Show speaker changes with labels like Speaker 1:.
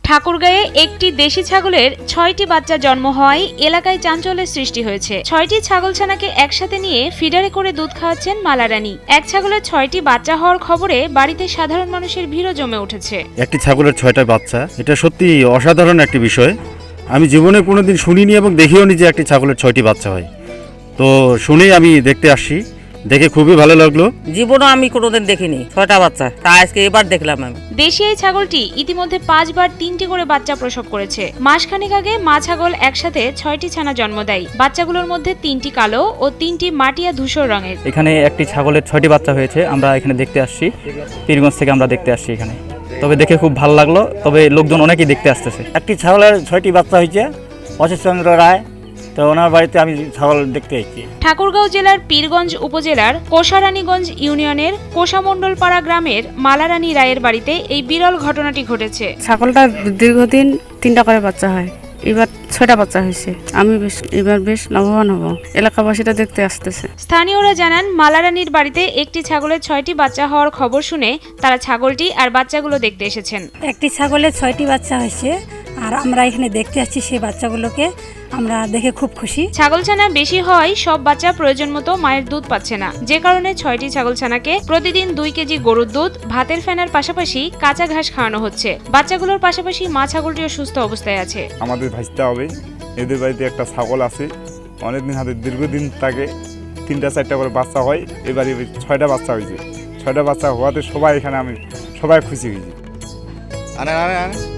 Speaker 1: ঠাকুরগাঁয়ে একটি দেশি ছাগলের ৬টি বাচ্চা জন্ম হওয়ায় এলাকায় চাঞ্চল্যের সৃষ্টি হয়েছে। ৬টি ছাগলছানাকে একসাথে নিয়ে ফিডারে করে দুধ খাওয়াচ্ছেন মালারানী। এক ছাগলের ৬টি বাচ্চা হওয়ার খবরে বাড়িতে সাধারণ মানুষের ভিড়ও জমে উঠেছে।
Speaker 2: একটি ছাগলের ৬টা বাচ্চা, এটা সত্যি অসাধারণ একটি বিষয়। আমি জীবনে কোনোদিন শুনিনি এবং দেখিওনি যে একটি ছাগলের ৬টি বাচ্চা হয়। তো শুনেই আমি দেখতে আসছি, দেখে খুবই ভালো লাগলো।
Speaker 3: জীবনও আমি কোনোদিন দেখিনি ৬টা বাচ্চা, তা আজকে এবার দেখলাম আমি।
Speaker 1: দেশি এই ছাগলটি ইতিমধ্যে ৫ বার ৩টি করে বাচ্চা প্রসব করেছে। মাসখানেক আগে মা ছাগল একসাথে ৬টি ছানা জন্ম দেয়। বাচ্চাগুলোর মধ্যে ৩টি কালো ও 3টি মাটিয়া ধূসর রঙের।
Speaker 4: এখানে একটি ছাগলের ৬টি বাচ্চা হয়েছে। আমরা এখানে দেখতে আসছি, পীরগঞ্জ থেকে আমরা দেখতে আসছি এখানে। তবে দেখে খুব ভালো লাগলো, তবে লোকজন অনেকেই দেখতে আসতেছে।
Speaker 5: একটি ছাগলের 6টি বাচ্চা হয়েছে, অশোকচন্দ্র রায়, তো ওনার বাড়িতে আমি ছাগল দেখতে এসেছি।
Speaker 1: ঠাকুরগাঁও জেলার পীরগঞ্জ উপজেলার কোষারানীগঞ্জ ইউনিয়নের কোষামণ্ডলপাড়া গ্রামের মালারানী রায়ের বাড়িতে এই বিরল ঘটনাটি ঘটেছে।
Speaker 6: ছাগলটা দীর্ঘদিন 3টা করে বাচ্চা হয়, এবার 6টা বাচ্চা হয়েছে। আমি এবার বেশ লাভবান হব, এলাকাবাসীরা দেখতে আসতেছে।
Speaker 1: স্থানীয়রা জানান, মালারানীর বাড়িতে একটি ছাগলের 6টি বাচ্চা হওয়ার খবর শুনে তারা ছাগলটি আর বাচ্চাগুলো দেখতে এসেছেন।
Speaker 7: একটি ছাগলের 6টি বাচ্চা হয়েছে, আর আমরা এখানে দেখতে আসছি সেই বাচ্চাগুলোকে। আমরা দেখে খুব খুশি।
Speaker 1: ছাগলছানা বেশি হওয়ায় সব বাচ্চা প্রয়োজন মতো মায়ের দুধ পাচ্ছে না, যে কারণে 6টি ছাগলছানাকে প্রতিদিন 2 কেজি গরুর দুধ, ভাতের ফেনার পাশাপাশি কাঁচা ঘাস খাওয়ানো হচ্ছে। বাচ্চাগুলোর পাশাপাশি মা ছাগলটিও সুস্থ অবস্থায় আছে।
Speaker 8: আমাদের ভাজতে হবে। এদের বাড়িতে একটা ছাগল আছে, অনেকদিন হাতে দীর্ঘদিন তাকে 3টা 4টা করে বাচ্চা হয়। এবারে 6টা বাচ্চা হয়েছে। 6টা বাচ্চা হওয়াতে সবাই এখানে আমি সবাই খুশি হয়েছি।